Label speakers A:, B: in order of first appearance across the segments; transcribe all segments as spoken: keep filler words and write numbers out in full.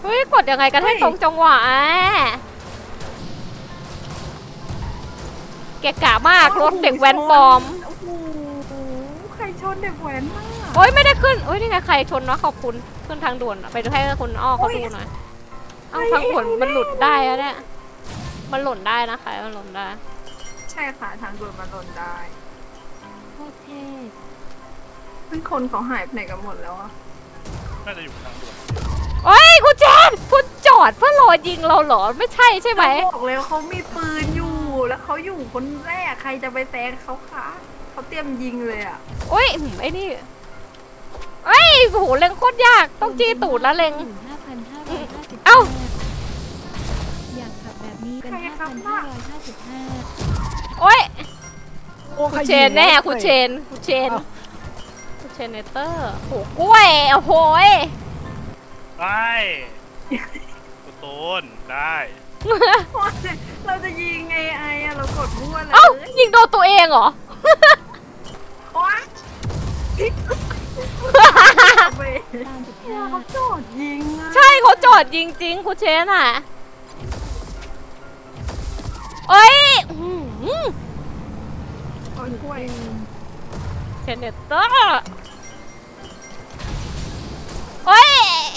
A: ฮ้ยกดยังไงกันให้ตรงจังหวะแกกะมากรถเด็กแว้นปลอม
B: โอ้โหใครชนเด็กแว้นมาก
A: โอ้ยไม่ได้ขึ้นโอ้ยนี่ไงใครชนวะขอบคุณขึ้นทางด่วนไปดูให้คุณอ้อเขาดูหน่อยเอ้าทางด่วนมันหลุดได้แล้วเนี่ยมันหล่นได้นะคะมันหล่นได้
B: ใช่ค่ะทางด่วนมันหล่นได้
A: โอเค
B: ซึ่งคนเขาหายไปไหนกันหมดแล้วอะ
C: น่าจะอยู่ทางด่วน
A: โอ้ยคุณเจนคุณจอดเพื่อรอยิงเราเหรอไม่ใช่ใช่ไหม
B: บอกเลยเขามีปืนอยู่แล้วเขาอยู่คนแรกใครจะไปแซงเขาคะเขาเตรียมยิงเลยอะ
A: โอ้ยไอ้นี่ไอ้โหเล็งโคตรยากต้องจี้ตูดแล้วเล็งเอ้า
D: อยากขับแบบนี้เป็นห้าพันห้าร้อยห้าสิบห้า
A: โอ้ยคุณเชนแน่คุณเชนคุณเชนคุณเชนเนเตอร์โหกล้วยโอ้โห
C: ได้กูโตนได้
B: เราจะยิงไงไอ้เรากดมั่วเลย
A: เอ้ายิงโดนตัวเองเหรอ
B: เขาจอดยิง
A: ใช่เขาจอดยิงจริงคุณเชนอ่ะเอ้ย
B: โอ้ยกล้วย
A: เชนเนเตอร์เอ้ย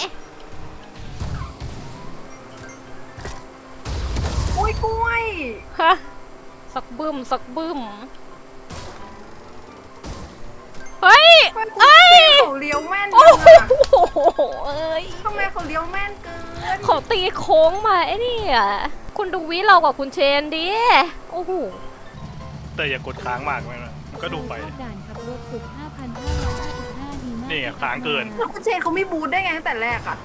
B: โอ้ยกล้วย
A: ฮะสักบึ้มสักบึ้มเฮ้ยเอ้ย
B: เขาเลี้ยวแม่นจังอะ
A: เอ้ย
B: ทำไมเขาเลี้ยวแม่นเกิน
A: เขาตีโค้งมาไอ้นี่อ่ะคุณดูวิเรากับคุณเชนดิโอ้โห
C: แต่อย่ากดค้างมากไหมนะก็ดูไปนี่ค้างเกิน
B: คุณเชนเขาไม่บูทได้ไงตั้งแต่แรกอ่ะ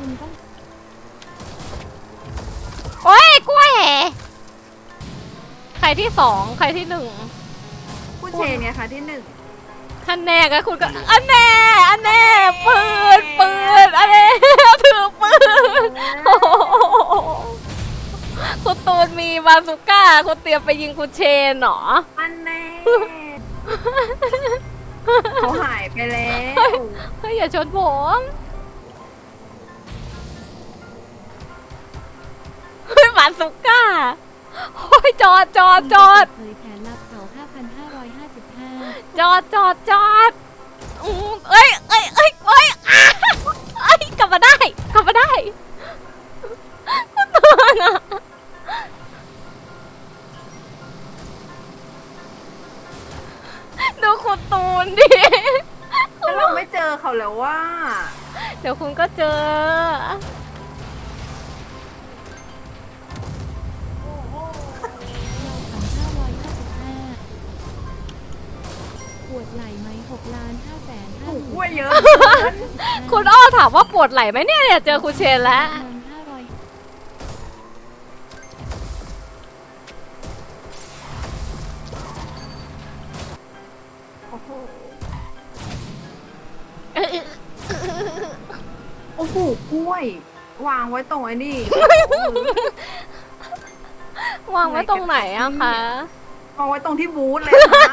A: โอ้ยกล้วยใครที่สองใครที่หนึ่ง
B: คุณเชนไงคะที่หนึ่ง
A: ท่านแน่ก็คุณก็อันแน่อันแน่ปืนปืนอันแน่ถือปืนคุณตูนมีบาซูก้าคุณเตรียมไปยิงคุณเชนหรอ
B: อันแน่เขาหายไปแล้ว
A: เฮ้ยอย่าชนผมเฮ้ยบาซูก้าโอ้ยจอดจอดจอดจอดจอดจอดเอ้ยเอ้ยเอ้ยเอ้ยเอ้ยกลับมาได้กลับมาได้คุณตูนอะดูคุณตูนดิ
B: แล้วเราไม่เจอเขาแล้วว่า
A: เดี๋ยวคุณก็เจอ
D: ปวดไหล่ไหมหกล้านห้าแสนห้าหมื่น
B: เยอะ
A: คุณอ้อถามว่าปวดไหล่ไหมเนี่ยเนี่ยเจอคุณเชนแล้ว
B: โอ้โหกล้วยวางไว้ตรงไอ้นี่
A: วางไว้ตรงไหนอะคะ
B: วางไว้ตรงที่บูธเลยนะ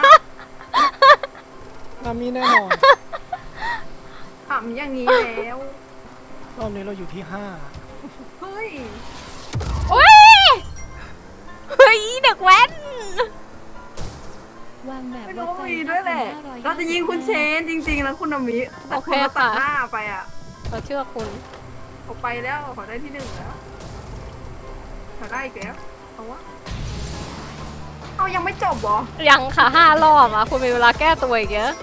E: นามีแน่นอน
B: ทำอย่างนี้แล้ว
E: รอบนี้เราอยู่ที่ห้า
B: เฮ้ย
A: โอ้ยเฮ้ยเด็กแว้น
D: วางแบบ
B: ไม่รู้มีด้วยแหละเราจะยิงคุณเชนจริงๆแล้วคุณนามิแต่คุณมาตัดหน้าไปอ่ะ
A: เราเชื่อคุณ
B: เขาไปแล้วเขาได้ที่หนึ่งแล้วเขาได้อีกแล้วเอาวะเอายังไม่จบเหรอ
A: ยังค่ะห้ารอบอ่ะคุณมีเวลาแก้ตัวอีกเยอะ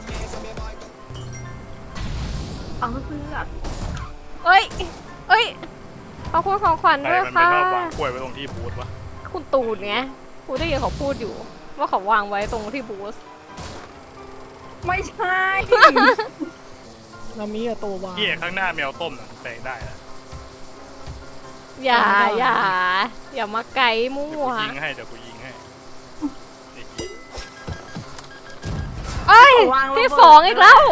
B: เอาเพื่อ
A: เอ้ยเอ้ยขอบคุณของขวัญด้วยค่ะ
C: มันวางกล้วยไว้ตรงที่บูธวะ
A: คุณตูนไงคุณได้ยินเขาพูดอยู่ว่าเขาวางไว้ตรงที่บูธ
B: ไม่ใช่
E: นามีอะตัววาง
C: ที่ข้างหน้าแมวต้มน่ะแปลงได้อะ
A: อย่าอย่าอย่ามาไกลมั่ว
C: ยิงให้เดี๋ยวกูยิงให้
A: เอ้ยที่สองอีกแล้ว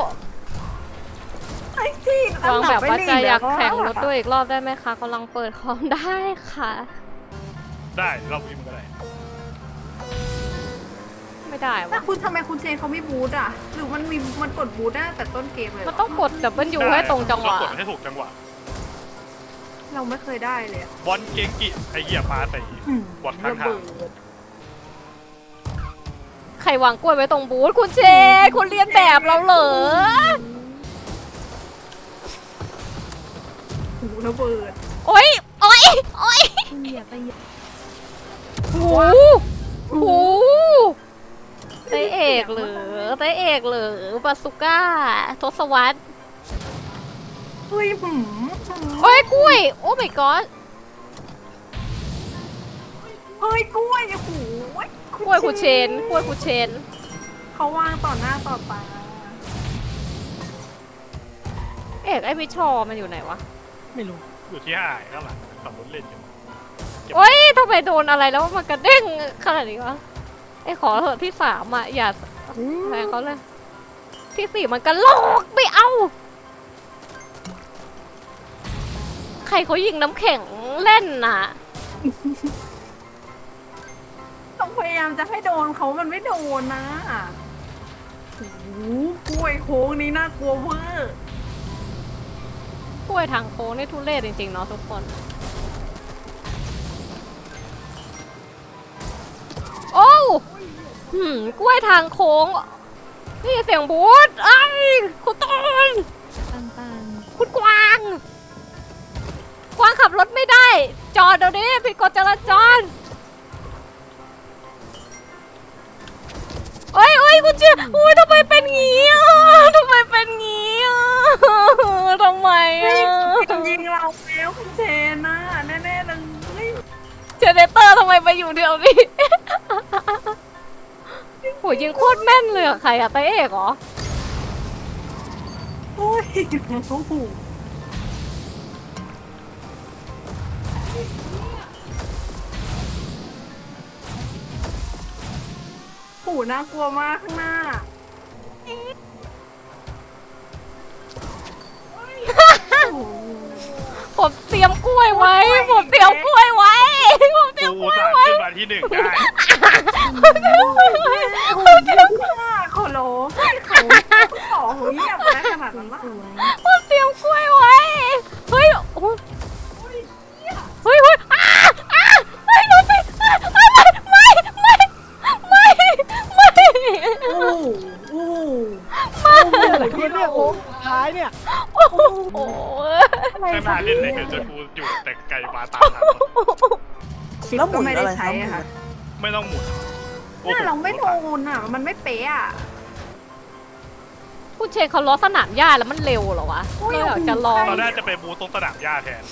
A: วางแบบว่าจะอยากแข่งรถด้วยอีกรอบได้ไหมคะกำลังเปิดคอมได้ค่ะ
C: ได้รอบนี้มันก็ได้
A: ไม่ได้วะ
B: คุณทำไมคุณเชนเขาไม่บูทอ่ะหรือมันมีมันกดบูทได้แต่ต้นเกมเลย
A: มันต้องกดดับเบิลยูให้ตรงจังหวะ
C: กดให้ถูกจังหวะ
B: เราไม่เคยได้เลยอะ
C: บอลเกงกิไอเหี้ยปลาใส่บอลข้าง
B: ระ
C: ทาง
B: เบิด
A: ใครวางกล้วยไว้ตรงบูธคุณเชนคุณเรียนแบบเราเหรอ
B: หูระเบิด
A: โอ๊ยโอ๊ยโอ๊ย
D: คุณอย่าไปอย่า
A: โอ้โหโอ้โหไตเอกเหรือไตเอกเหรือบาสุก้าทศวรรษ
B: เฮ้ยหืม
A: โอ้ยกล้วย โอ้ my god
B: เฮ้ยกล้วยโอ้โห
A: กล้วยคุณเชนกล้วยคุณเชน
B: เขาวางต่อหน้าต่อตา
A: เอกไอ้พิชอมันอยู่ไหนวะ
E: ไม่รู้
C: อยู่ที่ห้าข้างหลังขับรถเล่นอยู่
A: โอ๊ยทำไมโดนอะไรแล้วมันกระเด้งขนาดนี้วะไอ้ขอเถอะที่สามอ่ะอย่าแทงเขาเลย ที่สี่มันกระโลกไม่เอา ใครเขายิงน้ำแข็งเล่นน่ะ
B: ต้องพยายามจะให้โดนเขามันไม่โดนนะโอ้โหกล้วยโค้งนี้น่ากลัวเวอร์
A: กล้วยทางโค้งนี่ทุเรศจริงๆเนาะทุกคน โอ้วหืมกล้วยทางโค้ง นี่เสียงบูธไอ้ยคุณต้น
D: ปังปัง
A: คุณกวาง กวางขับรถไม่ได้ จอดเดี๋ยวนี้ผิดกฎจราจรโอ้ยโอ้ยคุณเจี๊ยบอุ้ยทำไมเป็นงี้อ่ะทำไมเป็นงี้อ่ะทำไมอ่ะ
B: ยิงเราแล้วคุณเชนน่ะแน่ๆเลย
A: เจเนเตอร์ทำไมไปอยู่เดียวนี้ โหยิงโคตรแม่นเลยอะใครอะไตเอกเหรอ
B: โอ้ยโอ้โหหูน่ากลัวมากข้างหน้า
A: ผมเตรียมกล้วยไว้ ผมเตรียมกล้วยไว้ ผมเตรียม
C: กู
A: กล้วย
C: สั่ง
A: ไว้
C: ขึ้นมาที่หนึ่งได้
B: ผมเยอะมากขอร้องให้เขาต่อหูเงียบนะขนาดนั้นนะ
D: สวย
A: ผมเตรียมกล้วยไว้ เฮ้ยโอ้เฮ้ยเฮ้ยอ้าอ้าเฮ้ยดูสิอ้าไม่ไม่ไม่ไม่ไม่
B: โอ้โห
E: อะไรขึ้นเนี่ยโอ้ท้ายเนี่ย
A: โอ้โห
C: ไม่มาเล่นเลยเดี๋ยวจะกูอยู่แต่ไกลมาตามทัน
B: แล้วหมุนไม่ได้ใช้อะค่ะ
C: ไม่ต้องหมุนโอ้
B: เนี่ย
C: โห
B: เราไม่โดนอ่ะ มันไม่เป๊ะอ่ะ
A: คุณเชนเขาล้อสนามหญ้าแล้วมันเร็วเหรอวะ
B: โอ้ย
A: เราอยากจะลอง
C: เราน่าจะไปบูตตรงสนามหญ้าแทน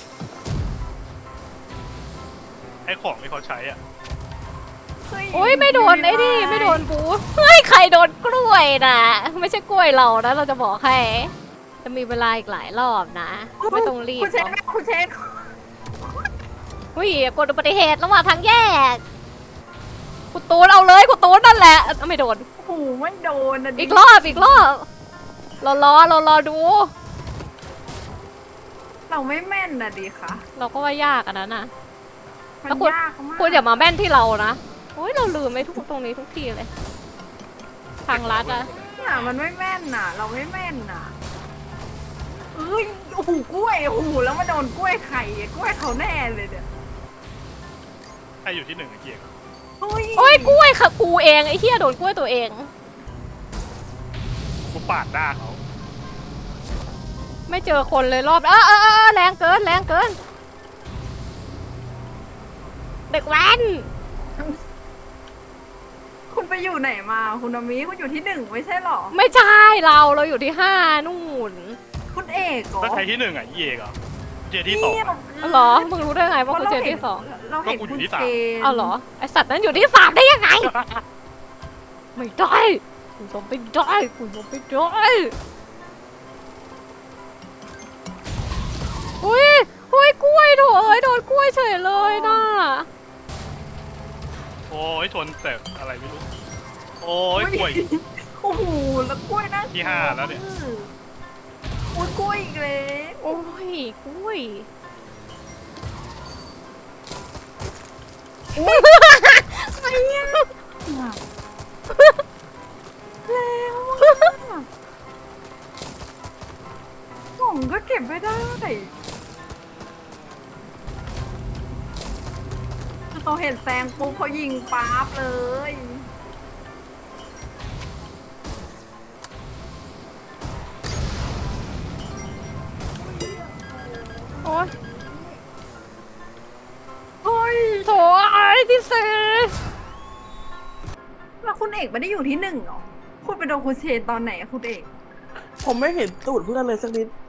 C: ไอ้ของที่เขาใช้อ่ะ
A: โอ้ยไม่โดนไอ้นี่ไม่โดนบูเฮ้ยใครโดนกล้วยนะไม่ใช่กล้วยเรานะเราจะบอกให้จะมีเวลาอีกหลายรอบนะ ไม่ต้องรีบ
B: คุณเชน
A: เนาะ
B: คุณเชน
A: อุ้ยกดอุบัติเหตุระหว่างทางแยกคุณตูนเอาเลยคุณตูนนั่นแหละเอ้าไม่โดน
B: โอ้โหไม่โดนนะดิ
A: อีกรอบอีกรอบเรารอเรารอดู
B: เราไม่แม่นนะดิค่ะ
A: เราก็ว่ายากอันนั้นนะ
B: มัน
A: แล้วคุณ
B: ยากมาก
A: คุณอย่ามาแม่นที่เรานะโอ้ยเราลืมไม่ทุกตรงนี้ทุกทีเลย ทางลัดอะ
B: เนี่ยมันไม่แม่นน่ะ เราไม่แม่นน่ะเอ้ยโอ้โหกล้วยโอ้โหแล้วมาโดนกล้วยไข่กล้วยเขาแน่เลยเนี่ย
C: ใครอยู่ที่หนึ่งไอ้เกียร์
B: โอ้ย
A: โอ้ยกล้วยค่ะกูเองไอ้เหี้ยโดนกล้วยตัวเอง
C: กูปาดหน้าเขา
A: ไม่เจอคนเลยรอบเออเออเออแรงเกินแรงเกิน เด็กแว้น
B: คุณไปอยู่ไหนมาคุณอามิคุณอยู่ที่หนึ่งไม่ใช่หรอ
A: ไม่ใช่เราเราอยู่ที่ห้านู่น
B: คุณเอกเหรอ
C: แล้วใครที่หนึ่งอ่ะเย่เหรอเจที่สอง
B: เนี่ย
C: อะ
A: เหรอมึงรู้ได้ไงว่ากูเจอที่สอง
B: เราเห็น
C: ก็กูอยู่
B: คุณ
C: ที่
B: เช
C: สาม
B: น
A: เอาเหรอไอสัตว์นั้นอยู่ที่สามได้ยังไง ไม่ได้กูต้องไปได้กูต้องไปได้อุ้ยอุ้ยกล้วยโถเอ้ยโดนกล้วยเฉยเลยน่ะ
C: โอ้ยชนแต่อะไรไม่รู้ โอ้ยกล้วย
B: โอ้โหแล้วกล้วยนะ
C: ที่ห้าแล้วเนี่ย
B: โอ้ยกล้วยอีกแล้ว
A: โอ้ยกล้วย
B: อะไรเนี่ยแล้วอะผมก็เก็บไม่ได้เขาเห็นแซงปุ๊บเขายิงปั๊บเลย
A: โอ๊ย
B: เฮ้ย
A: โถไอ้ที่สี่
B: แล้วคุณเอกไม่ได้อยู่ที่หนึ่งเหรอคุณไปโดนคุณเชนตอนไหนอะคุณเอก
F: ผมไม่เห็นตูดเพื่อนเลยสักนิด